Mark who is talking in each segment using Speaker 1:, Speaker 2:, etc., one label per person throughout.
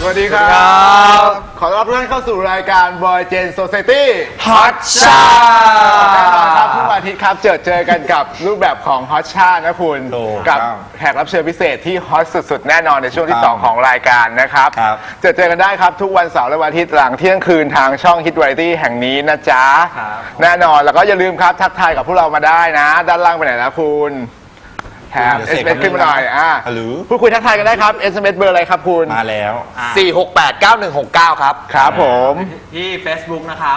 Speaker 1: วัสดีครับ ขอต้อนรับทุกท่านเข้าสู่รายการ Boy Gen Society
Speaker 2: Hot Chat
Speaker 1: แน่นอนครับทุกวันอาทิตย์ครับเจอกันกับรูปแบบของ Hot Chat นะคุณกับแขกรับเชิญพิเศษที่ฮอตสุดๆแน่นอนในช่วงที่ 2 ของรายการนะครับเจอกันได้ครับทุกวันเสาร์และวันอาทิตย์หลังเที่ยงคืนทางช่อง Hit Variety แห่งนี้นะจ๊ะแน่นอนแล้วก็อย่าลืมครับทักทายกับพวกเรามาได้นะด้านล่างไปไหนนะคุณแถม SMS ขึ้นมาหน่อยพูดคุยทักทายกันได้ครับ SMS เบอร์อะไรครับคุณ
Speaker 2: มาแล้ว
Speaker 3: 4689169 ครับ
Speaker 1: ครับผม
Speaker 3: ที่ Facebook นะครับ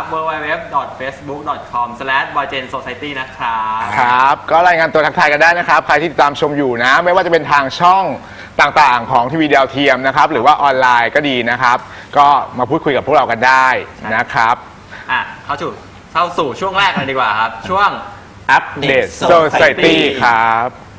Speaker 3: www.facebook.com/boygensociety นะครับ
Speaker 1: ครับก็รายงานตัวทักทายกันได้นะครับใครที่ติดตามชมอยู่นะไม่ว่าจะเป็นทางช่องต่างๆของทีวีดาวเทียมนะครับหรือว่าออนไลน์ก็ดีนะครับก็มาพูดคุยกับพวกเรากันได้นะครับ
Speaker 3: เข้าสู่ช่วงแรกเลยดีกว่าครับช่วง
Speaker 1: Update Society ครับ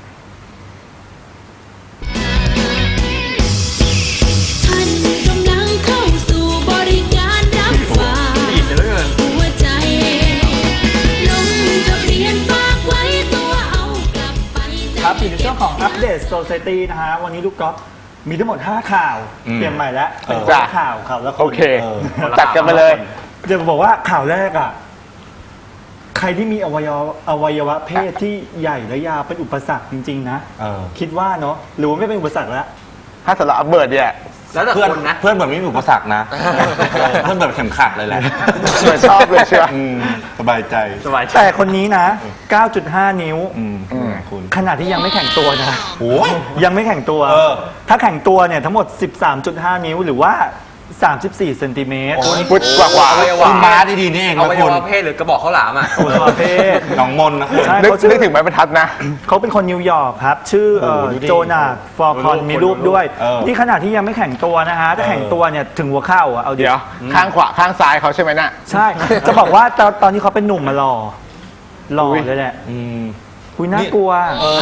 Speaker 4: ครับอยู่ในช่วงของ Update Society นะฮะวันนี้ลูกก๊อฟมีทั้งหมด5ข่าวเปลี่ยนใหม่แล้วเป็นข่าวแล้ว
Speaker 1: โอเคจัดกันไปเลย
Speaker 4: จะบอกว่าข่าวแรกอ่ะใครที่มีอวัยวะเพศที่ใหญ่และยาวเป็นอุปสรรคจริงๆนะคิดว่าเนาะหรือว่าไม่เป็นอุปสรรคแล้ว
Speaker 1: ถ้าสำหรับอัปเบิร์ดเนี่ย
Speaker 3: แล้วแต่คนนะ
Speaker 2: เพื่อนแบบไม่มีอุปสรรคนะเพื่อนแบบเข็มขัดเลยแหละ
Speaker 1: ชอบเลยเชียว
Speaker 2: สบายใจ
Speaker 4: แต่คนนี้นะ 9.5 นิ้วขนาดที่ยังไม่แข็งตัวนะยังไม่แข็งตัวถ้าแข็งตัวเนี่ยทั้งหมด 13.5 นิ้วหรือว่า34 เซนติเมตร
Speaker 1: ฟุตกว่า
Speaker 2: คุณม้าดีๆนี่เอง
Speaker 3: เอาไปว่าเพศหรือกระบอกข้าวหลามอ่ะ
Speaker 4: เพศ
Speaker 2: น้องมนนะคุณ
Speaker 1: นึกถึงไม้บรรทัดนะ
Speaker 4: เขาเป็นคนนิวยอร์กครับชื่อโจนาธฟอร์คอนมีรูปด้วยนี่ขนาดที่ยังไม่แข็งตัวนะฮะถ้าแข็งตัวเนี่ยถึงหัวเข่าอ่ะเอา
Speaker 1: เดี๋ยวข้างขวาข้างซ้ายเขาใช่ไหมน่ะ
Speaker 4: ใช่จะบอกว่าตอนที่เขาเป็นหนุ่มมาหล่อเลยแหละคุยน่ากลัว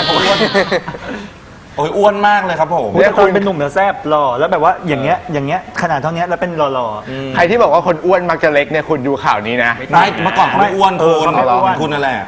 Speaker 2: โอ้ยอ้วนมากเลยครับผม
Speaker 4: เนี่ยคุณเป็นหนุ่มแล้วแซ่บหล่อแล้วแบบว่าอย่างเงี้ยขนาดเท่านี้แล้วเป็นหล่อ
Speaker 1: ใครที่บอกว่าคนอ้วนมักจะเล็กเนี่ยคุณดูข่าวนี้นะ
Speaker 2: ไม่เมื่อก่อนเขาไม่อ้วนคุณนั่นแหละ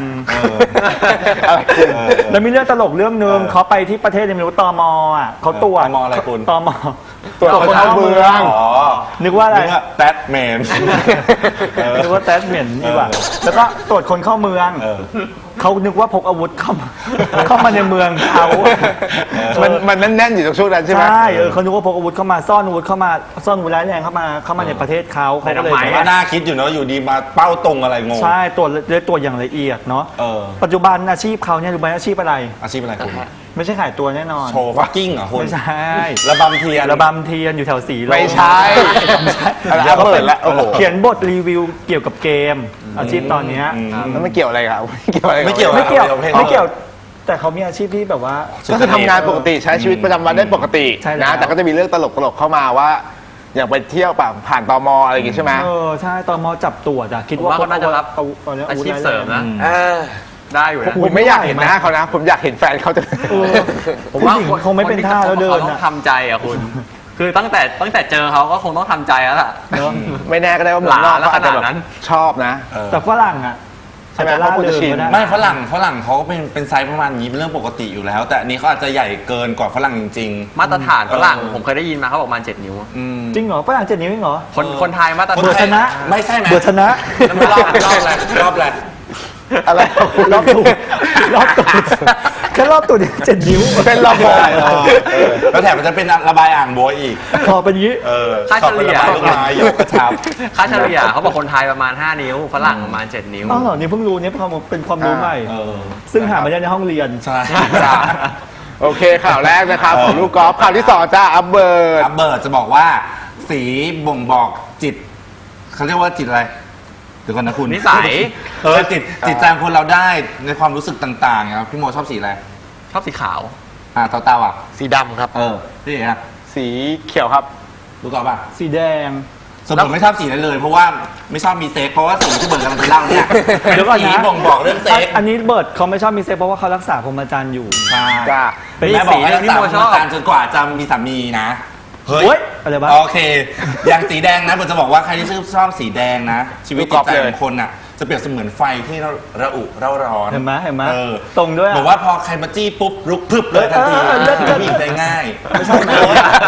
Speaker 4: แล้วมีเรื่องตลกเรื่องนึงเขาไปที่ประเทศไม่รู้ตมอ่ะเขาตรวจ
Speaker 2: ตมอะไรคุณ
Speaker 4: ตม
Speaker 1: ตรวจคนเข้าเมือง
Speaker 4: นึกว่าอะไร
Speaker 2: แตดแมน
Speaker 4: นึกว่าแตดแมนดีกว่าแล้วก็ตรวจคนเข้าเมืองเขานึกว่าพกอาวุธเข้ามาในเมืองเขา
Speaker 1: มันแน่นๆอยู่ตรงช่วงนั้นใช่ไหม
Speaker 4: ใช่เขานึกว่าพกอาวุธเข้ามาซ่อนอาวุธร้ายแรงเข้ามาในประเทศเขาก็เลย
Speaker 2: น่าคิดอยู่เนาะอยู่ดีมาเป้าตรงอะไรงง
Speaker 4: ใช่ตรวจอย่างละเอียดเนาะปัจจุบันอาชีพเขาเนี่ยรู้ไหมอาชีพอะไร
Speaker 2: คุณ
Speaker 4: ไม่ใช่ขายตัวแน่นอน
Speaker 2: โชว์ฟักกิ้งเหรอคุณ
Speaker 4: ไม่ใช่
Speaker 2: ระบำเทีย
Speaker 4: นอยู่แถวสีลม
Speaker 1: ไม่ใช่
Speaker 4: เขาเปิดแล้วเขียนบทรีวิวเกี่ยวกับเกมอาชีพตอนนี้
Speaker 1: แล้วไม่เกี่ยวอะไรครับ
Speaker 2: ไม่เกี่ยว
Speaker 4: แต่เขามีอาชีพที่แบบว่า
Speaker 1: ก็คือทำงานปกติใช้ชีวิตประจำวันได้ปกตินะแต่ก็จะมีเรื่องตลกเข้ามาว่าอย่างไปเที่ยวแบบผ่านตมอะไรอย่างงี้ใช่ไหม
Speaker 4: ใช่ตมจับตรวจคิดว่า
Speaker 3: เขาน่าจะรับอาชีพเสริมนะได้อยู่นะ
Speaker 1: ผมไม่อยากเห็นหน้าเขานะผมอยากเห็นแฟนเขาจะ
Speaker 4: ผมว่าคงไม่เป็นท่าแล้วเดิน
Speaker 3: ต้องทำใจอ่ะคุณคือตั้งแต่เจอเขาก็คงต้องทำใจแล้วล่ะ
Speaker 1: ไม่แน่ก็ได้ว่าหมอนอกเขาอาจจะแบบชอบนะ
Speaker 4: แต่ฝรั่งอ่ะ
Speaker 1: ใช่ไหมเขาควรจะชิน
Speaker 2: ไม่ฝรั่งเขาเป็นไซส์ประมาณนี้เป็นเรื่องปกติอยู่แล้วแต่อันนี้เขาอาจจะใหญ่เกินกว่าฝรั่งจริง
Speaker 3: ๆมาตรฐานฝรั่งผมเคยได้ยินมาเขาบอกประมาณ7 นิ้ว
Speaker 4: จริงเหรอฝรั่ง7 นิ้วเหรอ
Speaker 3: คนไทยมาตรฐาน
Speaker 4: เบอร์ชนะ
Speaker 2: ไม่ใช่ไหม
Speaker 4: เบอร์ชนะ
Speaker 2: รอบแรก
Speaker 1: อะไร
Speaker 4: รอบตูดแค่รอบตูด7 นิ้ว
Speaker 1: เป็นรอบโบย
Speaker 2: แล้วแถมมันจะเป็นระบายอ่างโบยอีก
Speaker 4: พอเป็นนี้
Speaker 3: ค่าเฉลี่ย
Speaker 2: ยกกระชับ
Speaker 3: ค่าเฉลี่ยเขาบอกคนไทยประมาณ5 นิ้วฝรั่งประมาณ7 นิ้ว
Speaker 4: อ๋อเหรอนี่เพิ่งรู้เนี่ยเป็นความรู้ใหม่ซึ่งหามาได้ในห้องเรียน
Speaker 2: ใช่
Speaker 1: โอเคข่าวแรกนะครับของลูกกอล์ฟข่าวที่2จ้าอัปเบิร์ด
Speaker 2: จะบอกว่าสีบ่งบอกจิตเขาเรียกว่าจิตอะไรเดี๋ยวก่อนนะคุณ
Speaker 3: นิสัย
Speaker 2: จิตใจคนเราได้ในความรู้สึกต่างๆครับพี่โมชอบสีอะไร
Speaker 3: ชอบสีขาว
Speaker 2: เต้าอ่ะ
Speaker 1: สีดำครับ
Speaker 2: นี่ฮะ
Speaker 1: สีเขียวครับ
Speaker 2: รู้ก่อนป่ะ
Speaker 4: สีแดง
Speaker 2: สมมติไม่ชอบสีนั้นเลยเพราะว่าไม่ชอบมีเซ็กเพราะว่าสีที่เบิร์ดกำลังจะเล่าเนี่ยสีบ่งบอกเรื่องเซ็ก
Speaker 4: อันนี้เบิร์ดเขาไม่ชอบมีเซ็กเพราะว่าเขารักษาพรหมจรรย์อยู่
Speaker 2: ใช่
Speaker 4: เป็น
Speaker 2: แม่บอกให้รักษาพรหมจรรย์จนกว่าจะมีสามีนะ
Speaker 4: เฮ้ยอะไรบ้าง
Speaker 2: โอเคอย่างสีแดงนะผมจะบอกว่าใครที่ชอบสีแดงนะชีวิตจิตใจของคนอ่ะจะเปรียบเสมือนไฟที่ระอุเร่าร้อน
Speaker 4: เห็นไหมเห็นไหม
Speaker 2: ออ
Speaker 4: ตรงด้วยอะ
Speaker 2: บอกว่าพอใครมาจี้ปุ๊บลุกพรึบเลยทันที
Speaker 4: เลิศ
Speaker 2: ผู้หญิงใจง่ายไม่ใช่นะ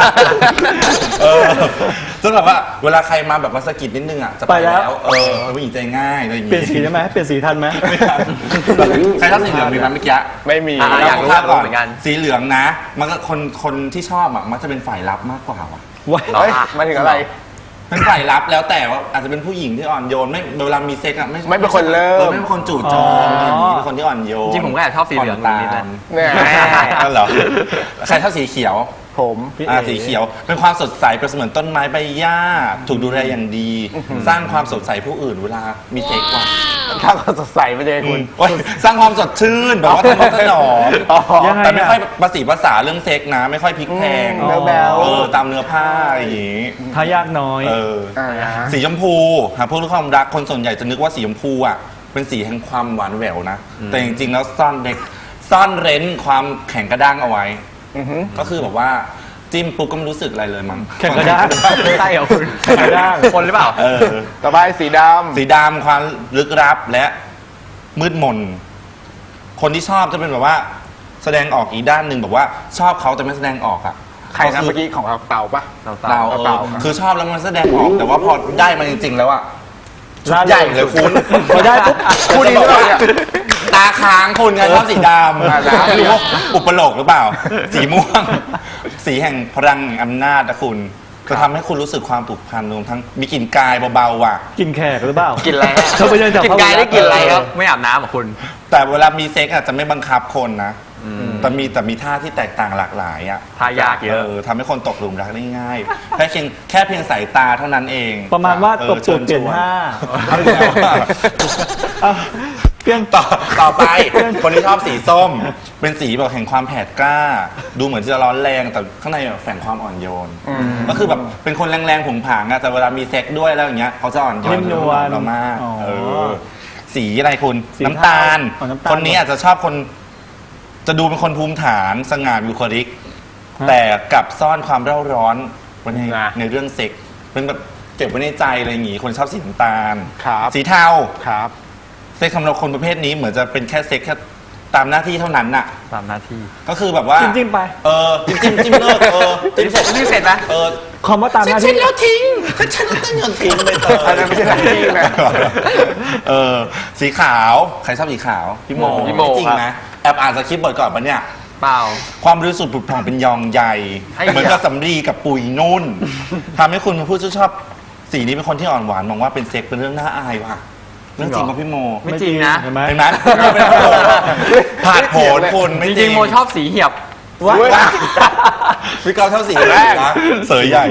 Speaker 2: จนแบบว่าเวลาใครมาแบบมาสะกิดนิดนึงอ่ะจะไปแล้วผู้หญิงใจง่ายอะไรอย่าง
Speaker 4: เปลี่ยนสีได้ไหมเปลี่ยนสีทันไหม
Speaker 2: ใครชอบสีเหลืองมีไหมเมื่อกี้
Speaker 1: ไม่มี
Speaker 3: อยากรู้
Speaker 2: ข้ามก่อน
Speaker 3: เหมือนกัน
Speaker 2: สีเหลืองนะ มันก็คนที่ชอบอ่ะมันจะเป็นฝ่ายรับมากกว่าว่ะ
Speaker 4: ว้าย
Speaker 1: เฮ้ยมาถึงอะไร
Speaker 2: เป็นฝ่ายรับแล้วแต่ว่าอาจจะเป็นผู้หญิงที่อ่อนโยนไม่เวลามีเซ็กอ่ะไม่
Speaker 1: ไม่เป็นคนเริ่ม
Speaker 2: ไม่เป็นคนจู่โจมอะไรอย่างงี้เป็นคนที่อ่อนโยน
Speaker 3: จริงๆผมก็แอบชอบสีเหลืองนิดๆนะ
Speaker 1: เนี่ย
Speaker 2: นั่นเหรอใครชอบสีเขียว
Speaker 1: ผม
Speaker 4: พี่เอ๋
Speaker 2: สีเขียวเป็นความสดใสเป็นเสมือนต้นไม้ใบหญ้าถูกดูแลอย่างดี สร้างความสดใสผู้อื่นเวลามีเซ็กว่ะ
Speaker 1: ถ้าเขาสดใสไปเลยคุณ
Speaker 2: โอ๊ยสร้างความสดชื่นแบบว่าทนุถนอม
Speaker 1: อ๋อ
Speaker 4: ยังไง
Speaker 2: แต่ไม่ค่อยภาษีภาษาเรื่องเซ็กนะ ไม่ค่อยพลิกแพง
Speaker 1: แบ๊วๆ
Speaker 2: ตามเนื้อผ้าอย่างงี้
Speaker 4: ทายากน้อย
Speaker 1: อ่า
Speaker 2: สีชมพูหากพูดเรื่องความรักคนส่วนใหญ่จะนึกว่าสีชมพูอ่ะเป็นสีแห่งความหวานแหววนะแต่จริงๆแล้วซ่อนเร้นความแข็งกระด้างเอาไว้ ก็คือแบบว่าจิ้มปุ๊บก็ไม่รู้สึกอะไรเลยมั้ง
Speaker 4: แข็งกระด้าง
Speaker 3: ใช่เหรอคุณ
Speaker 4: แข็งกระด้าง
Speaker 3: คนหรือเปล่า
Speaker 2: เออ
Speaker 1: ต่อไปสีด
Speaker 2: สีดำความลึกลับและมืดมน คนที่ชอบจะเป็นแบบว่า แสดงออกอีกด้านหนึ่งแบบว่าชอบเขาแต่ไม่แสดงออกอ่ะ
Speaker 1: ำใครนะเมื่อกี้ของเราเต่าปะ
Speaker 2: เรา
Speaker 1: เต่า
Speaker 2: คือชอบแล้วมันแสดงออกแต่ว่าพอได้มาจริงๆแล้วอ่ะชุด
Speaker 4: ล่าเริง
Speaker 2: ใหญ่เลยคุณ
Speaker 4: พอได้ปุ๊บ
Speaker 1: พูดนี้หรือเปล่าเนี่ย
Speaker 2: ตาค้างคุณไงชอบสีด
Speaker 1: อ่า
Speaker 2: ำ
Speaker 1: แล้ว
Speaker 2: ไม่รู้ว่าอุปโลกหรือเปล่า สีม่วง สีแห่งพลังแห่งอำนาจนะคุณจะทำให้คุณรู้สึกความผูกพันรวมทั้งมีกลิ่นกายเบาๆว่ะ
Speaker 4: กินแขกหรือเปล่า
Speaker 3: กินอะไรฮะ
Speaker 4: เขาไปเดินจาก
Speaker 3: กินกายได้กินอะไรครับ ไม่อาบน้ำเหรอคุณ
Speaker 2: แต่เวลามีเซ็กอาจจะไม่บังคับคนนะแต่มีท่าที่แตกต่างหลากหลายอ่ะ
Speaker 3: ทายากเยอะ
Speaker 2: ทำให้คนตกหลุมรักได้ง่ายแค่เพียงสายตาเท่านั้นเอง
Speaker 4: ประมาณว่าตบตูด
Speaker 2: ชิญ
Speaker 4: เปลี่ยน
Speaker 2: ชว
Speaker 4: ห้า
Speaker 2: เอาอีกแล้วอะ
Speaker 4: อ่ะเปลี่ยน
Speaker 2: ต่อไป คนที่ชอบสีส้ม เป็นสีแบบแห่งความแผดกล้า ดูเหมือนจะร้อนแรงแต่ข้างในแบบแฝงความอ่อนโยน ก็คือแบบเป็นคนแรงๆผงผางอะแต่เวลามีเซ็กด้วยแล้วอย่างเงี้ยเขาจะอ่อนโย
Speaker 4: นิ่
Speaker 2: น
Speaker 4: มนวล
Speaker 2: เรามาก
Speaker 4: อ๋อ
Speaker 2: สีอะไรคุณ
Speaker 4: สี
Speaker 2: น้ำตาล
Speaker 4: อ๋อน้ำตาล
Speaker 2: คนนี้อาจจะชอบคน จะดูเป็นคนภูมิฐานสง่าบุคลิก แต่กลับซ่อนความเร่าร้อนไว้ใน
Speaker 1: นะ
Speaker 2: ในเรื่องเซ็กเป็นแบบเก็บไว้ในใจอะไรอย่างงี้คนชอบสีน้ำตาล
Speaker 1: ครับ
Speaker 2: สีเทา
Speaker 1: ครับ
Speaker 2: เซ็กสำหรับคนประเภทนี้เหมือนจะเป็นแค่เซ็กแค่ตามหน้าที่เท่านั้นน่ะ
Speaker 3: ตามหน้าที่
Speaker 2: ก็คือแบบว่า
Speaker 4: จิ้มๆไป
Speaker 2: จิ้มเลิกจิ้มเสร็จ
Speaker 3: จิ้มเสร็จไหม
Speaker 4: คำว่าตามหน้า
Speaker 2: เช็
Speaker 4: ที่
Speaker 2: ดแล้วทิ้งเช็ดแล้วต้องโยนทิ้งไปเตย
Speaker 1: อันนั้นไม่ใช่หน้าที่นะ
Speaker 2: สีขาวใครชอบสีขาวพี่โม
Speaker 3: พี่โม
Speaker 2: จริงนะแอบอ่านสคริปต์บทก่อนปะเนี่ย
Speaker 3: เปล่า
Speaker 2: ความบริสุทธิ์ผุดผ่องเป็นยองใหญ่
Speaker 3: ไอ้
Speaker 2: เหมือนกับสำลีกับปุ๋ยนุ่นทำให้คุณเป็นผู้ชอบสีนี้เป็นคนที่อ่อนหวานมองว่าเป็นเซ็กเป็นเรื่องน่าอายว่ะเรื่องจริงป่ะพี่โม
Speaker 3: ไม่จริงนะ
Speaker 4: เห็นไหม
Speaker 2: เห็นไหมผ่านโผนคุณไม่
Speaker 3: จ
Speaker 2: จริ
Speaker 3: ริ
Speaker 2: ง
Speaker 3: งๆโมชอบสีเหียบ
Speaker 4: ว่า
Speaker 2: พี่เกาเท่าสีแรกนะเสยใหญ่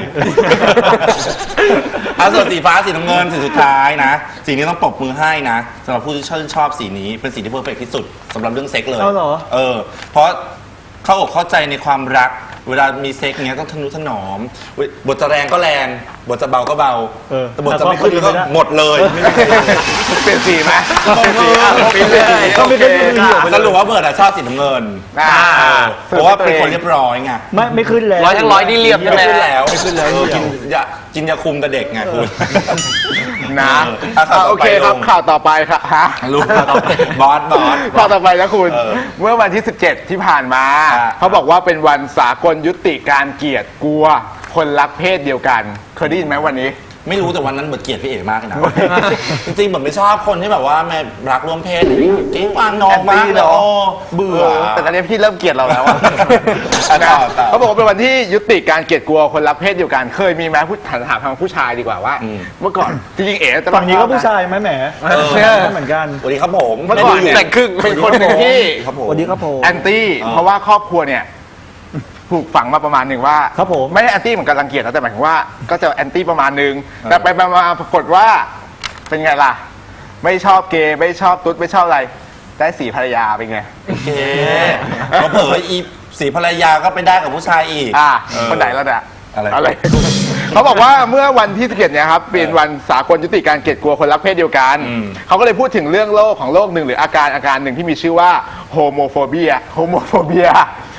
Speaker 2: ส่วนสีฟ้าสีน้ำเงินสีสุดท้ายนะสีนี้ต้องปรบมือให้นะสำหรับผู้ที่ชื่นชอบสีนี้เป็นสีที่เพอร์เฟกที่สุดสำหรับเรื่องเซ็กเลย
Speaker 4: เอาเหรอ
Speaker 2: เพราะเข้าอกเข้าใจในความรัก เวลามีเซ็กเงี้ยต้องทนุถนอมบทจะแรงก็แรงบทจะเบาก็เบาแต่บทจะไม่ขึ้นก็หมดเลย
Speaker 1: เปลี่ยนสีไหม
Speaker 2: เปลี่ยนสีอ่ะ
Speaker 1: เปลี่ยนสี
Speaker 4: ก็ไม่เคยมีประโยชน์
Speaker 2: สรุปว่าเบิร์ดอะชอบสีน้ำเงิน เพราะว่าเป็นคนเรียบร้อยไง
Speaker 4: ไม่ขึ้นแล้ว
Speaker 3: ร้อยทั้งร้อยนี่เรียบ
Speaker 2: ไม่
Speaker 3: ใช่ไหม
Speaker 2: ขึ้นแล้ว
Speaker 4: ไม่ขึ้นแล้ว
Speaker 2: กินยาคุมแต่เด็กไงคุณ
Speaker 1: นะ
Speaker 2: ข่าวต่อไป
Speaker 1: โอเคครับ
Speaker 2: ลุง
Speaker 1: ข่าวต่อไปครับฮะ
Speaker 2: ลูกบอส
Speaker 1: ข่าวต่อไปนะคุณ
Speaker 2: เออ
Speaker 1: เมื่อวันที่ 17 ที่ผ่านมา
Speaker 2: อ่า
Speaker 1: เขาบอกว่าเป็นวันสากลยุติการเกลียดกลัว คนรักเพศเดียวกัน เคยได้ยินไหมวันนี้
Speaker 2: ไม่รู้แต่วันนั้นเหมือนเกลียดพี่เอ๋มากเลยนะ จริงๆเหมือนไม่ชอบคนที่แบบว่าแม่รักร่วมเพศเก่งวางนองมากเลยโอ้เบื่อ
Speaker 1: แต่ตอนนี้พี่เริ่มเกลียดเราแล้วอะ
Speaker 2: ต่อ
Speaker 1: เขาบอกว่าเป็นวันที่ยุติการเกลียดกลัวคนรักเพศเดียวกัน เคยมีไหมพูดถามทางผู้ชายดีกว่าว่า เมื่อก่อนจริงๆเอ๋จะ
Speaker 4: ฝั่งนี้ก็ผู้ชายไหมแหม เหมือนกัน
Speaker 2: สวัสดีครับผม
Speaker 1: เมื่อก่อนเนี่ย
Speaker 3: แต่งครึ่ง
Speaker 1: เป็นคนหนึ่งที่
Speaker 2: ครับผม
Speaker 4: สวัสดีครับผม
Speaker 1: แอนตี้เพราะว่าครอบครัวเนี่ยถูกฝังมาประมาณหนึ่งว่า
Speaker 4: ครับผม
Speaker 1: ไม่ได้แอนตี้เหมือนกันรังเกียจนะแต่หมายถึงว่าก็จะแอนตี้ประมาณหนึ่งแต่ไปมาปรากฏว่าเป็นไงล่ะ ไม่ชอบเกย์ไม่ชอบตุ๊ดไม่ชอบอะไร ได้สีภรรยาเป็นไง
Speaker 2: โอเคเขาเผยอีสีภรรยาก็ไปได้กับผู้ชายอีก
Speaker 1: คนไหนแล้วเนี่ย
Speaker 2: อะไร
Speaker 1: เขาบอกว่าเมื่อวันที่11เนี่ยครับเป็นวันสากลยุติการเกลียดกลัวคนรักเพศเดียวกัน เขาก็เลยพูดถึงเรื่องโรคของโรคหนึ่งหรืออาการหนึ่งที่มีชื่อว่าโฮโมโฟเบีย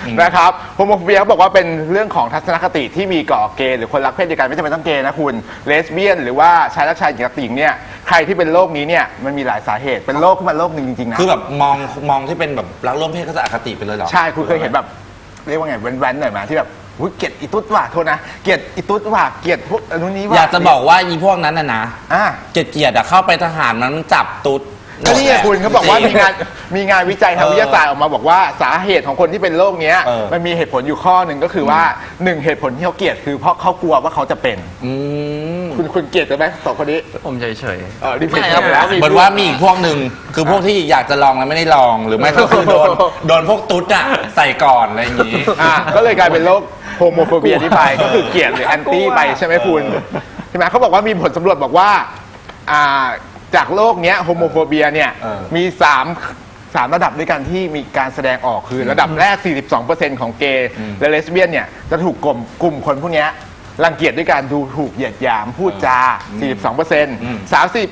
Speaker 1: นะครับโฮโมโฟเบียเขาบอกว่าเป็นเรื่องของทัศนคติที่มีก่อเกย์หรือคนรักเพศเดียวกันไม่จำเป็นต้องเกย์นะคุณเลสเบี้ยนหรือว่าชายรักชายหญิงรักหญิงเนี่ยใครที่เป็นโรคนี้เนี่ยมันมีหลายสาเหตุเป็นโรคขึ้นมาโรคหนึ่งจริงๆนะ
Speaker 2: คือแบบมองที่เป็นแบบรักร่วมเพศก็จะอคติไปเลยเหรอ
Speaker 1: ใช่คุณเคยเห็นแบบเรียกว่าไงแว้นๆหน่อยมาที่แบบอุ๊ยเกลียดอีตุ๊ดว่ะโทษนะเกลียดอีตุ๊ดว่ะเกลียดพวกอนุนี้ว่ะ
Speaker 2: อยากจะบอกว่าอีพวกนั้นนะ
Speaker 1: อ่ะ
Speaker 2: เกลียดๆอะเข้าไปทหารมันจับตุ๊ด
Speaker 1: ก็นี่ไงคุณเขาบอกว่ามีงานวิจัยทางวิทยาศาสตร์ออกมาบอกว่าสาเหตุของคนที่เป็นโรคเนี้ย มันมีเหตุผลอยู่ข้อหนึ่งก็คือว่าหนึ่งเหตุผลที่เขาเกลียดคือเพราะเขากลัวว่าเขาจะเป็น คุณเกลียดกันไหมสองคนนี้
Speaker 3: ผมเฉย
Speaker 1: นี่เป็น
Speaker 3: ไม่ครับ
Speaker 1: แล้ว
Speaker 2: เหมือนว่ามีอีกพวกหนึ่งคือพวกที่อยากจะลองแล้วไม่ได้ลองหรือไม่ก็คือโดนพวกตุ๊ดอะใส่ก่อนอะไรอย่างงี้
Speaker 1: ก็เลยกลายเป็นโรคโฮโมโฟเบียที่ไปก็คือเกลียดหรือแอนตี้ไปใช่ไหมคุณใช่ไหมเขาบอกว่ามีผลสำรวจบอกว่าจากโรคเนี้ยโฮโมโฟเบียเนี่ยมี3ระดับด้วยกันที่มีการแสดงออกคือระดับแรก 42% ของเกย์และเลสเบี้ยนเนี่ยจะถูกกลุ่มคนพวกเนี้ยรังเกียจด้วยการดูถูกเหยียดหยามพูดจา 42%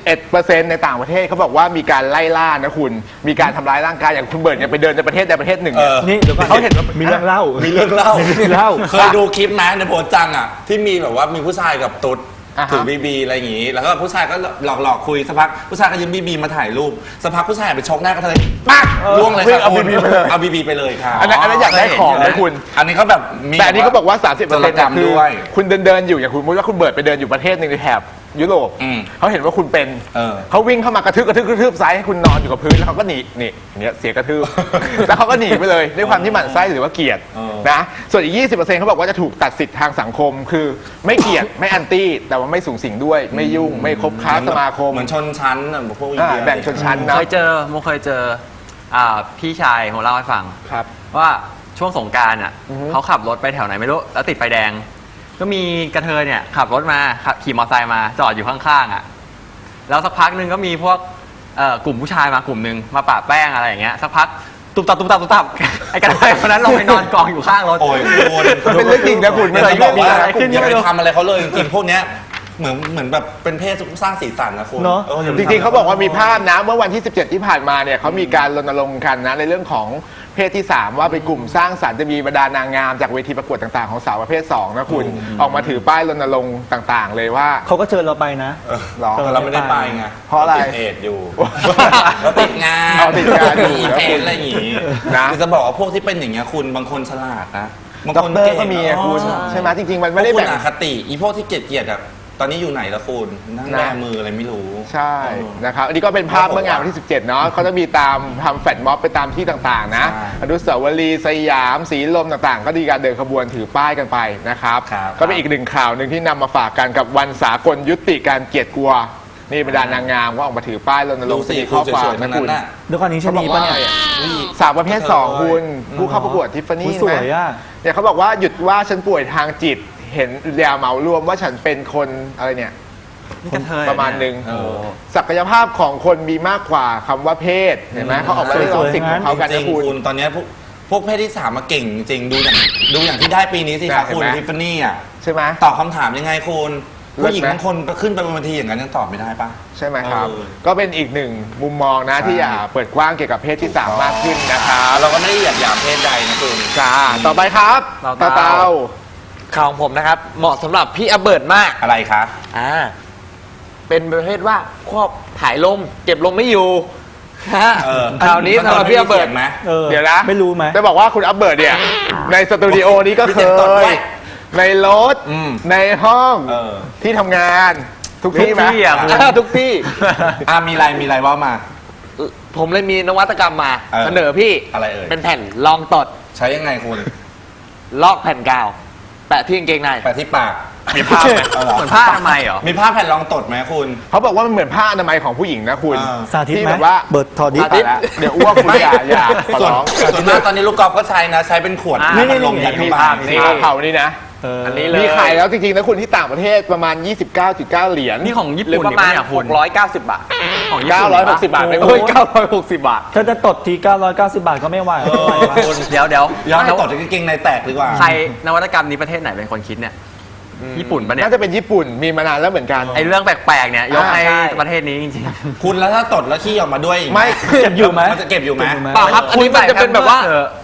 Speaker 1: 31% ในต่างประเทศเขาบอกว่ามีการไล่ล่านะคุณมีการทำร้ายร่างกายอย่างคุณเบิร์ดเนี่ยไปเดินในประเทศใดประเทศหนึ่งเนี่ย
Speaker 4: นี่เดี๋ยวก่อน
Speaker 1: เขาเห็นว่า
Speaker 4: มีเรื่องเล่า
Speaker 2: มีเรื่องเล่า
Speaker 4: เค
Speaker 2: เคยดูคลิปไหมในโพสต์จังอะที่มีแบบว่ามีผู้ชายกับตุ๊ดถือบีอะไรอย่างงี้แล้วก็ผู้ชายก็หลอกคุยสักพักผู้ชายก็ยืมบีมาถ่ายรูปสักพักผู้ชายไปชกหน้ากระเทยปักล่วงเลยค่ะ
Speaker 1: เอา BB ไปเลย
Speaker 2: เอาบีไปเลยค่ะ
Speaker 1: อันนั้นอยากได้ของนะคุณ
Speaker 2: อันนี้เขาแบบมี
Speaker 1: แต่อันนี้เขาบอกว่า 30%
Speaker 2: จรกรรม
Speaker 1: คือ
Speaker 2: ด้วย
Speaker 1: คุณเดินอยู่อย่างคุณสมมติว่าคุณเบิร์ดไปเดินอยู่ประเทศหนึ่งในแถบยุโรปเขาเห็นว่าคุณเป็นเขาวิ่งเข้ามากระทืบซ้ายให้คุณนอนอยู่กับพื้นแล้วเขาก็หนีเนี่ยเสียกระทืบ แล้วเขาก็หนีไปเลยด้วยความที่หมั่นไส้หรือว่าเกลียดนะส่วนอีก 20%เขาบอกว่าจะถูกตัดสิทธิ์ทางสังคม คือไม่เกลียดไม่แอนตี้แต่ว่าไม่สูงสิงด้วยไม่ยุ่งไม่คบค้าสมาคม
Speaker 2: เหมือนชนชั้นอะพวกอิน
Speaker 1: อ่า
Speaker 2: เดีย
Speaker 1: แบ่งชนชั้น
Speaker 3: ๆ
Speaker 1: นะ
Speaker 3: เคยเจอพี่ชายผมเล่าให้ฟัง
Speaker 1: ครับ
Speaker 3: ว่าช่วงสงกรานต์เขาขับรถไปแถวไหนไม่รู้แล้วติดไฟแดง ก็มีกระเทยเนี่ยขับรถมาขี่มอเตอร์ไซค์มาจอดอยู่ข้างๆแล้วสักพักหนึ่งก็มีพวกกลุ่มผู้ชายมากลุ่มหนึ่งมาปะแป้งอะไรอย่างเงี้ยสักพักตุบตับ ไอ้กระเทยคนนั้นลงไปนอนกองอยู่ข้างรถ
Speaker 2: โอ้ยคุณ
Speaker 1: มันเป็นเรื่องจริงนะคุณ
Speaker 2: ไม่
Speaker 1: มัน
Speaker 2: ได้
Speaker 1: เป็น
Speaker 2: บ
Speaker 1: เรื่
Speaker 2: อ
Speaker 1: อก ง
Speaker 2: ว่า
Speaker 1: จริงนะ
Speaker 2: อย่าไปทำอะไรเขาเลยจริงๆพวกเนี้ยเหมือนแบบเป็นเพศสร้างสีสันนะคุณ
Speaker 4: เนอะ
Speaker 2: อย่าไป
Speaker 1: จ
Speaker 2: ทำ
Speaker 1: ริงๆเขาบอกว่ามีภาพนะเมื่อวันที่ 17 ที่ผ่านมาเนี่ยเขามีการรณรงค์กันนะในเรื่องของเพศที่ 3 ว่าเป็นกลุ่มสร้างสรรค์จะมีบรรดานางงามจากเวทีประกวดต่างๆของสาวประเภท 2 นะคุณออกมาถือป้ายรณรงค์ต่างๆ เลยว่า
Speaker 4: เขาก็เชิญเราไปนะ
Speaker 1: หรอ
Speaker 2: แต่เราไม่ได้ไปไง
Speaker 1: เพราะอะไร
Speaker 2: ติดเอดส์อยู่ เราติดงาน
Speaker 1: เอาติดงานอยู่
Speaker 2: มีอีเวนต์อะไรอย่างงี้
Speaker 1: นะ
Speaker 2: คือจะบอกว่าพวกที่เป็นอย่างเงี้ยคุณบางคนฉลาดนะบาง
Speaker 1: ด็อ
Speaker 2: ค
Speaker 1: ก
Speaker 2: น
Speaker 1: เตอ
Speaker 2: เก่
Speaker 1: ร์
Speaker 2: ง
Speaker 1: ก็มีอะคุณใช่ไหมจริงๆมันไม่ได้
Speaker 2: พวกคุณ
Speaker 1: แบ่ง
Speaker 2: อคติอีพวกที่เกลียดๆอะตอนนี้อยู่ไหนละคุณนั่งแบมืออะไรไม่รู้
Speaker 1: ใช่นะครับอันนี้ก็เป็นภาพเมื่องานวันที่ 17 เนาะเขาจะมีตามทำแฟลชม็อบไปตามที่ต่างๆนะ
Speaker 2: ใช่
Speaker 1: อนุสาวรีย์สยามสีลมต่างๆ ก็มีการเดินขบวนถือป้ายกันไปนะครับ
Speaker 2: ครับ
Speaker 1: ก็เป็นอีกหนึ่งข่าวหนึ่งที่นำมาฝากกันกับวันสากลยุติการเกลียดกลัวนี่บรรดานางงามก็ออกมาถือป้ายรณร
Speaker 2: ดู
Speaker 1: งค์
Speaker 2: สิ
Speaker 1: มี
Speaker 2: คุ
Speaker 1: ข้
Speaker 2: ณ
Speaker 1: อความ
Speaker 2: สวยๆทั้
Speaker 1: นะ
Speaker 2: งนั้
Speaker 1: คุณ
Speaker 2: นน่ะ
Speaker 4: เดี๋ยวก่อนนี้ชะนีปะเนี่ย
Speaker 1: สาวประเภท 2 คุณผู้เข้าประกวดทิฟฟานี่
Speaker 4: สวยอะ
Speaker 1: เนี่ยเขาบอกว่าหยุดว่าฉันป่วยทางจิตเห็นยาเหมารวมว่าฉันเป็นคนอะไรเนี่ย
Speaker 3: นี่กระเทย
Speaker 1: ประมาณหนึ่ง
Speaker 2: เออ
Speaker 1: ศักยภาพของคนมีมากกว่าคำว่าเพศเห็นไหมเขาออกมาเรียกร้องสิทธิ์ของเขากัน
Speaker 2: จริ
Speaker 1: นะ
Speaker 2: ง
Speaker 1: คุณ
Speaker 2: ๆคุณตอนเนี้ยพวกเพศที่ 3มาเก่งจริงๆดูอย่างที่ได้ปีนี้สิคะ
Speaker 1: เห็น
Speaker 2: คุณ
Speaker 1: ไหม
Speaker 2: ทิฟฟานี่อ่ะ
Speaker 1: ใช่ไหม
Speaker 2: ตอบคำถามยังไงคุณ
Speaker 1: เลิศไหม
Speaker 2: ผู้หญิงบางคนขึ้นไปบนเวทีอย่างนั้นยังตอบไม่ได้ปะ
Speaker 1: ใช่ไหมครับ
Speaker 2: เออ
Speaker 1: ก็เป็นอีกหนึ่งมุมมองนะ
Speaker 2: ใช่
Speaker 1: ที่อยากเปิดกว้างเกี่ยวกับเพศที่ 3 มากขึ้นนะครับ
Speaker 2: เราก็ไม่ได้เหยียดหยามเพศใดนะคุณ
Speaker 1: จ้าต่อไปครับ
Speaker 3: เตา
Speaker 1: เตา
Speaker 5: ข่าวของผมนะครับ เหมาะสำหรับพี่อเบิร์ตมาก
Speaker 2: อะไรคะ
Speaker 5: เป็นประเภทว่าควบถ่ายลม เก็บลมไม่อยู่ฮะ
Speaker 2: เออ
Speaker 5: ข่าวนี้สำหรับพี่อเบิร์ต
Speaker 2: ไหม
Speaker 1: เดี๋ยวนะ
Speaker 4: ไม่รู้ไหม
Speaker 1: จะบอกว่าคุณอัปเบิร์ดเนี่ย ในสตูดิโอนี้ก็
Speaker 2: มี
Speaker 1: เค
Speaker 2: เสียงตดด้วย
Speaker 1: ย ในรถ
Speaker 2: อืม
Speaker 1: ในห้อง
Speaker 2: เออ
Speaker 1: ที่ทำงานทุกที่ไหม
Speaker 3: ทุกที่อะคุณ
Speaker 5: ทุกที่
Speaker 2: มีอะไรว่ามา
Speaker 5: ผมเลยมีนวัตกรรมมา
Speaker 2: เออ
Speaker 5: เสนอพี่
Speaker 2: อะไรเอ่ย
Speaker 5: เป็นแผ่นรองตด
Speaker 2: ใช้ยังไงคุณ
Speaker 5: ลอกแผ่นกาว แปะที่กางเกงใน
Speaker 2: แปะที่ปาก
Speaker 1: มีภาพไหม
Speaker 2: เอาเหรอ
Speaker 3: เหมือนผ้าทำไมยเหรอ
Speaker 2: มีผ้าแผ่นรองตดไหมคุณ
Speaker 1: เขาบอกว่ามันเหมือนผ้าอนามัยของผู้หญิงนะคุณ
Speaker 2: อ่า
Speaker 4: สาธิต
Speaker 1: ที่
Speaker 4: ไหม
Speaker 1: แบบว่า
Speaker 4: เบิร์ดทอดิส
Speaker 1: ตายแล้วเดี๋ยวอ้วกคุณอย่าขอ
Speaker 2: ส่วน
Speaker 1: ร้อง
Speaker 2: ส่วนมากตอนนี้ลูกกอล์ฟก็ใช้นะ ใช้เป็นขวด
Speaker 3: นี่
Speaker 2: น้ำอัดลมยัดเข้า
Speaker 1: มี
Speaker 2: ไป
Speaker 1: ภาพนี่เผานี่นะ
Speaker 5: อันนี้เลย
Speaker 1: มีขายแล้วจริงๆนะคุณที่ต่างประเทศประมาณ 29.9 เหรียญ
Speaker 3: นี่ของญี่
Speaker 5: หรือ
Speaker 3: ปุ่น
Speaker 5: ประมาณ
Speaker 3: เนี่ยคุณ
Speaker 5: 690 บาท
Speaker 3: ของญี่ปุ่น
Speaker 1: 960 บาทไป
Speaker 5: โอ้ย960 บาท
Speaker 4: ถ้าจะตดที 990 บาทก็ไม่ไหวไม่ไหววะ
Speaker 3: เดี๋ยว
Speaker 2: ย้อนให้ตดกางเกงในแตกดีกว่า
Speaker 3: ใครนวัตกรรมนี้ประเทศไหนเป็นคนคิดเนี่ยญี่ปุ่นปะเนี่ย
Speaker 1: น่าจะเป็นญี่ปุ่นมีมานานแล้วเหมือนกัน
Speaker 3: ไอเรื่องแปลกๆเนี่ยยกให้
Speaker 1: ใช่
Speaker 3: ประเทศนี้จริง
Speaker 2: คุณแล้วถ้าตดแล้วขี้ออกมาด้วยอีกห
Speaker 1: ไม่
Speaker 4: เก็บอยู่ไหม
Speaker 2: มันจะเก็บอยู่ไหม
Speaker 4: เก็บอยู่ไหม
Speaker 5: เปล่าครับ อันนี้มันจะเป็นแบบว่า
Speaker 3: เออ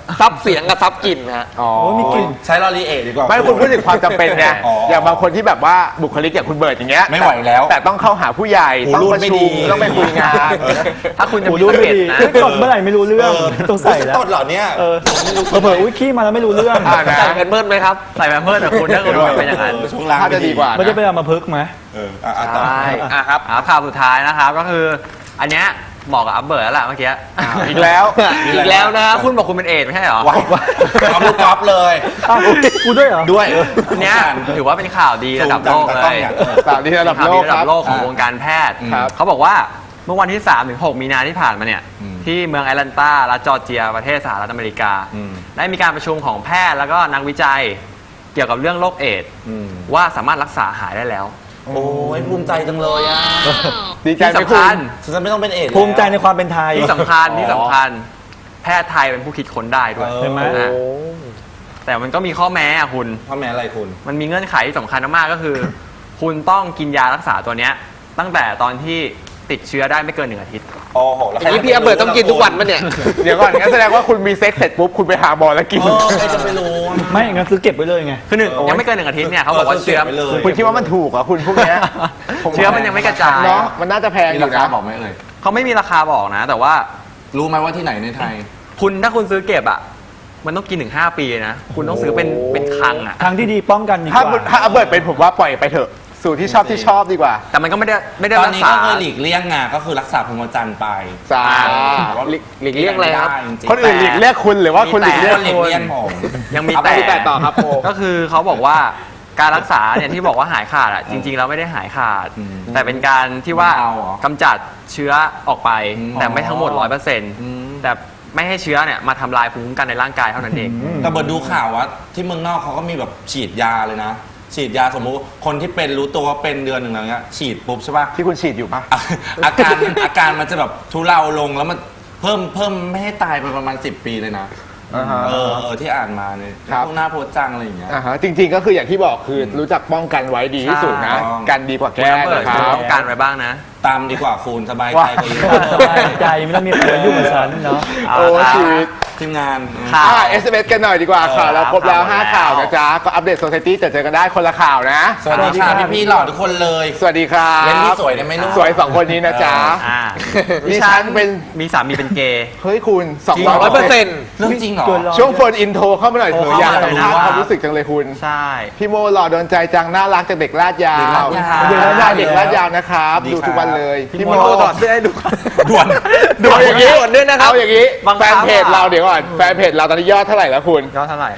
Speaker 5: ซับเสียงกับซับกลิ่นฮะ
Speaker 1: อ๋อ
Speaker 4: โอ้มีกลิ่น
Speaker 2: ใช้ลอรีเอทดีกว่า
Speaker 1: ไม่คุณพูดถึงความจำเป็นไง
Speaker 2: อ๋ออ
Speaker 1: อย่างบางคนที่แบบว่าบุคลิกอย่างคุณเบิร์ดอย่างเงี้ย
Speaker 2: ไม่ไหวแล้ว
Speaker 1: แต่ต้องเข้าหาผู้ใหญ่
Speaker 2: หู
Speaker 1: ต้อง
Speaker 2: รูด
Speaker 1: ประ
Speaker 2: ไม่
Speaker 1: ชุ
Speaker 2: ดี
Speaker 1: มต้องไปคุยงาน
Speaker 3: ถ้าคุณจะ
Speaker 4: โอ้
Speaker 3: มี
Speaker 4: ดู
Speaker 3: สะ
Speaker 4: ไม่
Speaker 3: เก็ด
Speaker 4: ดี
Speaker 3: นะ
Speaker 4: กดเมื่อไหร่ไม่รู้เรื่องต้องใส่แล้ว
Speaker 2: ต้นเหรอเนี่ย
Speaker 4: เผลอๆอุ้ยขี้มาแล้วไม่รู้เรื่อง
Speaker 1: นะ
Speaker 5: ใส่กันเบิ้ลไหมครับ
Speaker 3: ใส่แพมเพิร์สแต่คุณถ้าคุณเป็นอย่างนั้น
Speaker 2: ช่วงล่าง
Speaker 1: ถ้าจะดีกว่า
Speaker 4: มันจะไปเอามาพึกษ์ไหม
Speaker 2: ต่อ
Speaker 5: ครับ
Speaker 3: ข่าวสุดท้ายนะครับก็คืออันเนี้ยเหมาะกับอัพเบิร์ดแล้วล่ะเมื่อกี้
Speaker 1: อีกแล้ว
Speaker 5: อีกแล้วนะครับ
Speaker 3: คุณบอกคุณเป็นเอดส์ไม่ใช่เหรอ
Speaker 2: ว้าวเอาลูกกอล์ฟเลย
Speaker 4: อ้าวกูด้วยเหรอ
Speaker 2: ด้วย
Speaker 3: อันเนี้ยถือว่าเป็นข่าวดีระดับโลกเลย
Speaker 1: ข่าวดีระดับ
Speaker 3: ข่าว
Speaker 1: โล
Speaker 3: ดี
Speaker 1: ก
Speaker 3: ระ
Speaker 1: ค
Speaker 3: ดั
Speaker 1: รั
Speaker 3: บบ โลกของวงการแพทย์
Speaker 1: ครับ
Speaker 3: เขาบอกว่าเมื่อวันที่ 3-6 มีนาที่ผ่านมาเนี่ยที่เมืองแอตแลนตารัฐจอร์เจียประเทศสหรัฐอเมริกา ได้มีการประชุมของแพทย์แล้วก็นักวิจัยเกี่ยวกับเรื่องโรคเอดส์ว่าสามารถรักษาหายได้แล้ว
Speaker 2: โอ้ยภูมิใจจังเลยอ่ะ
Speaker 1: ดีใจ
Speaker 3: ที่
Speaker 1: ไหม
Speaker 3: สำ
Speaker 1: คุณ
Speaker 3: คัญ
Speaker 2: ฉันไม่ต้องเป็นเอด
Speaker 4: ภูมิใจในความเป็นไทย
Speaker 3: ที่สำคัญแพทย์ไทยเป็นผู้คิดค้นได้ด้วย
Speaker 4: เห็นไหม
Speaker 3: อ่ะแต่มันก็มีข้อแม้อะคุณ
Speaker 2: พ่อแม่อะไรคุณ
Speaker 3: มันมีเงื่อนไขที่สำคัญมากๆก็คือ คุณต้องกินยารักษาตัวเนี้ยตั้งแต่ตอนที่ติดเชื้อได้ไม่เกิน1 อาทิตย์
Speaker 2: โอ้โหแล้ว
Speaker 5: อันนี้พี่อเบิร์ตต้องกินทุกวันปะเนี่ย
Speaker 1: เดี๋ยวก่อนงั้นแสดงว่าคุณมีเซ็กเสร็จปุ๊บคุณไปหาหมอแล้วกิน
Speaker 2: ใครจะไปรู้
Speaker 4: ไม่งั้นซื้อเก็บไว้เลยไง
Speaker 3: คือยังไม่เกิน1 อาทิตย์เนี่ยเขาบอกว่าเชื้อ
Speaker 2: ไปเลย
Speaker 1: คุณคิดว่ามันถูกเหรอคุณพวกเนี้ย
Speaker 3: เชื้อมันยังไม่กระจาย
Speaker 1: เนาะมันน่าจะแพง
Speaker 2: มี
Speaker 1: อ
Speaker 2: รา
Speaker 1: ยู่
Speaker 2: คา
Speaker 1: นะ
Speaker 2: บอกไหมเอ่ย
Speaker 3: เขาไม่มีราคาบอกนะ แต่ว่า
Speaker 2: รู้ไหมว่าที่ไหนในไทย
Speaker 3: ถ้าคุณซื้อเก็บอ่ะมันต้องกินถึง5 ปีนะคุณต้องซื้อเป็นคลังอ่ะ
Speaker 4: ทางที่ดีป้องกันดีก
Speaker 1: ถ้า
Speaker 4: ว่า
Speaker 1: ถ้าเบิร์ดเป็นผมว่าปล่อยไปเถอะสู่ที่ชอบดีกว่า
Speaker 3: แต่มันก็ไม่ได้
Speaker 2: ตอน
Speaker 3: รัก
Speaker 2: นี้
Speaker 3: ษา
Speaker 2: ก็เคยหลีกเลี่ยงงานก็คือรักษาพรหมจรรย์ไป
Speaker 1: จ้า
Speaker 5: หลีกเลี่ยงอะไรครับ
Speaker 2: จริงๆ
Speaker 1: คนอื่นหลีกเรียกคุณหรือว่าคุณหลีกเรียก
Speaker 2: หลีกเลี่ยงผม
Speaker 3: ยังมี
Speaker 2: เอาไป
Speaker 3: แต่
Speaker 2: ที่ต่อครับโม
Speaker 3: ก็คือเขาบอกว่าการรักษาเนี่ยที่บอกว่าหายขาดอ่ะจริงๆแล้วไม่ได้หายขาด แต่เป็นการที่ว่า
Speaker 2: เอาเหรอ
Speaker 3: กำจัดเชื้อออกไป แต่ไม่
Speaker 2: อ๋อ
Speaker 3: ทั้งหมด 100%แต่ไม่ให้เชื้อเนี่ยมาทำลายภูมิคุ้มกันในร่างกายเท่านั้นเอง
Speaker 2: แต่เบิร์ดดูข่าวว่าที่เมืองนอกเขาก็มีแบบฉีดยาเลยนะ ฉีดยาสมมุติคนที่เป็นรู้ตัวว่าเป็นเดือนหนึ่งแล้วเงี้ยฉีดปุ๊บใช่ป่ะ
Speaker 1: ที่คุณฉีดอยู่ปะ
Speaker 2: อาการมันจะแบบทุเลาลงแล้วมันเพิ่มไม่ให้ตายไปประมาณ10 ปีเลยนะ
Speaker 1: อ่าฮะ
Speaker 2: ที่อ่านมาเนี่ย
Speaker 1: ครับ
Speaker 2: พวกหน้าโพสต์จังอะไรอย่างเงี้ย
Speaker 1: อ่าฮะจริงๆก็คืออย่างที่บอกคือรู้จักป้องกันไว้ดีที่สุดนะ
Speaker 2: ใช่
Speaker 1: กันดีกว่า
Speaker 3: คุณ
Speaker 1: แก้
Speaker 3: น้ำเบิร์ด
Speaker 1: นะค
Speaker 3: คุณ
Speaker 1: รับ
Speaker 3: ต้องการไว้บ้างนะ
Speaker 2: ตามดีกว่าคุณสบายใจกว่าเยอะ
Speaker 4: สบายใจไม่ต้องมีใครมายุ่งกับฉันเนาะ
Speaker 3: เอา
Speaker 1: โอ้
Speaker 3: ละครับ
Speaker 1: ชีวิต
Speaker 2: ทีมงาน
Speaker 3: ค่ะ
Speaker 1: SMS กันหน่อยดีกว่าข่าวเราครบแล้ว
Speaker 3: ข่าว
Speaker 1: 5 ข่าว
Speaker 3: แล้ว
Speaker 1: นะจ๊ะ ก็อัปเดตโซ c i ตี้เจอกันได้คนละข่าวนะ
Speaker 2: สวัสดีค่ะพี่ๆหล่อทุกคนเลย
Speaker 1: สวัสดีครับ
Speaker 2: เล่นที่สวยได้ไหมลูก
Speaker 1: สวย 2 คนนี้นะจ๊ะ
Speaker 3: อ่า
Speaker 1: ดิฉันเป็น
Speaker 3: มีสามีเป็นเกย์
Speaker 1: เฮ้ยคุณ
Speaker 3: จริงเหรอ
Speaker 1: 200%
Speaker 2: เรื่องจริงเหรอ
Speaker 4: เกินร้อย
Speaker 1: ช่วงโฟนอินโทรเข้ามาหน่อยเถอะอยากสัมภาษณ์ความรู้สึกจังเลยคุณ
Speaker 3: ใช่
Speaker 1: พี่โมหล่อโดนใจจังน่ารักจากเด็กลาดยาว
Speaker 2: เด็กลาดยาว
Speaker 1: เด็กลาดยาวเด็กลาดยาวนะครับ
Speaker 2: ดี
Speaker 1: ดู
Speaker 2: ครับ
Speaker 1: ทุกวันเลย
Speaker 3: พี่โมถอดเสื้อให้ดู
Speaker 2: ด่วน
Speaker 1: เอาอย่างนี้
Speaker 5: ด่วนด้วยนะครับ
Speaker 1: เอาอย่างนี้
Speaker 3: บังคั
Speaker 1: แฟ
Speaker 3: บ
Speaker 1: นเพจเราเดี๋ยวก่อนแฟนเพจเราตอนนี้ยอดเท่าไหร่แล้วคุณ
Speaker 3: ก็เท่าไหร่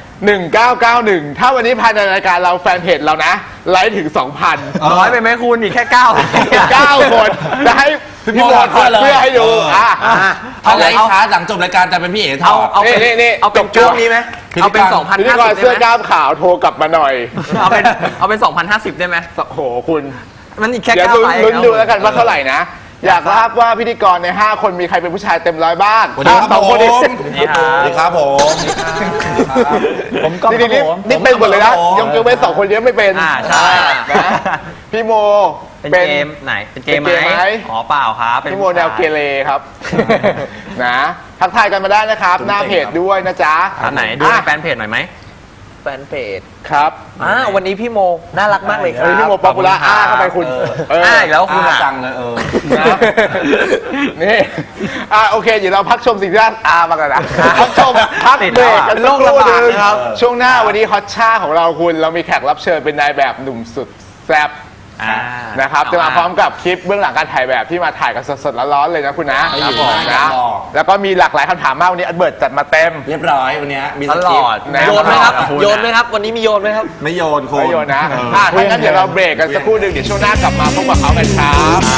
Speaker 1: 1991 ถ้าวันนี้ภายในรายการเราแฟนเพจเรานะ ไลค์ถึง 2,000
Speaker 3: น้อยไปไหมคุณอีกแค่9
Speaker 1: 9 คนจะให้พี่โมถอดเสื้อให้ดูอ่ะ
Speaker 2: เอาไรคะหลังจบรายการจะเป็นพี่เอ๋ถอด
Speaker 3: เอาเป็น
Speaker 1: นี่
Speaker 3: เอาเป็น
Speaker 1: จบช่
Speaker 3: ช่
Speaker 1: ว
Speaker 3: ว
Speaker 1: ง
Speaker 3: งนี้ไหมเอาเป็น
Speaker 1: พิธีกร
Speaker 3: 2,050
Speaker 1: เสื้
Speaker 3: ได้
Speaker 1: อ
Speaker 3: ไหม
Speaker 1: กล้ามขาวโทรกลับมาหน่อย
Speaker 3: เอาเป็น2,050 ได้ไหม
Speaker 1: โอ้โหคุณ
Speaker 3: มันอีกแค่
Speaker 1: เดี๋ยว
Speaker 3: 9 ไลค์
Speaker 1: ลุ้นดูแล้วกันว่าเท่าไหร่นะ อยากทราบว่าพิธีกรใน 5 คนมีใครเป็นผู้ชายเต็มร้อยบ้าง
Speaker 2: สวัสดีครับ
Speaker 1: สองคนนี้
Speaker 2: ผม
Speaker 3: นี่ครั
Speaker 2: สวัสดี
Speaker 3: บ
Speaker 2: ครับผม
Speaker 4: ผมก็
Speaker 1: นี่นี่
Speaker 4: ผม
Speaker 1: นี่เป็นหมดเลยนะ
Speaker 2: ผม
Speaker 1: ยกเว้น2 คนนี้ไม่เป็น
Speaker 3: ใช่
Speaker 1: นะพี่โม
Speaker 3: เป็นเกมไหนเป็นเกม
Speaker 1: เป็นเกม
Speaker 3: ไห
Speaker 1: ไห
Speaker 3: ม
Speaker 1: ม
Speaker 3: อ๋อเปล่าครับเป็น
Speaker 1: พี่โมแนวเกเรครับ นะทักทายกันมาได้นะครับ หน้าเพจด้วยนะจ๊ะ
Speaker 3: อันไหนดูในแฟนเพจหน่อยไหม
Speaker 5: แฟนเพจ
Speaker 1: ครับ
Speaker 5: วันนี้พี่โมน่ารักมากเลยค
Speaker 1: เฮ้ย
Speaker 5: รั
Speaker 1: พี่
Speaker 5: บ
Speaker 1: โมป๊อปปูล่าอ้าเข้าไปคุณเออ
Speaker 3: อีกแล้วคุณอ่ะ
Speaker 2: จังเลย
Speaker 1: นะนี่โอเคเดี๋ยวเราพักชมสิ่งที่น่ามากันนะพักชมพักเบรกกันสักครู่หนึงครับช่วงหน้าวันนี้ฮอตช่าของเราคุณเรามีแขกรับเชิญเป็นนายแบบหนุ่มสุดแซ่บนะครับจะมาพร้อมกับคลิปเบื้องหลังการถ่ายแบบที่มาถ่ายกันสดๆร้อนๆเลยนะคุณนะครับผมนะแล้วก็มีหลากหลายคำถามมากวันนี้อันเบิร์ตจัดมาเต็ม
Speaker 2: เรียบร้อยวันนี้มี
Speaker 3: ต
Speaker 2: ส
Speaker 3: ล
Speaker 2: คริป
Speaker 3: อด
Speaker 2: ต์
Speaker 1: นะ
Speaker 5: โยนไหมครับ
Speaker 3: คุณ
Speaker 5: โยนไหมครับ วันนี้มีโยนไหมครับ
Speaker 2: ไม่โยนคุณ
Speaker 1: ไม่โยนนะถ้างั้นเดี๋ยวเราเบรกกันสักครู่หนึงเดี๋ยวช่วงหน้ากลับมาพบกับเขากันครับ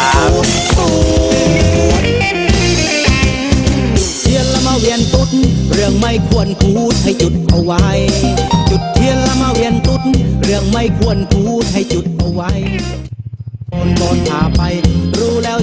Speaker 6: เทียนละมาเวียนตุ๊ดเรื่องไม่ควรพูดให้จุดเอาไว้ จุดเทียนละมาเวียนตุ๊ดเรื่องไม่ควรพูดให้จุดเอาไว้โอนพาไปรู้แล้ว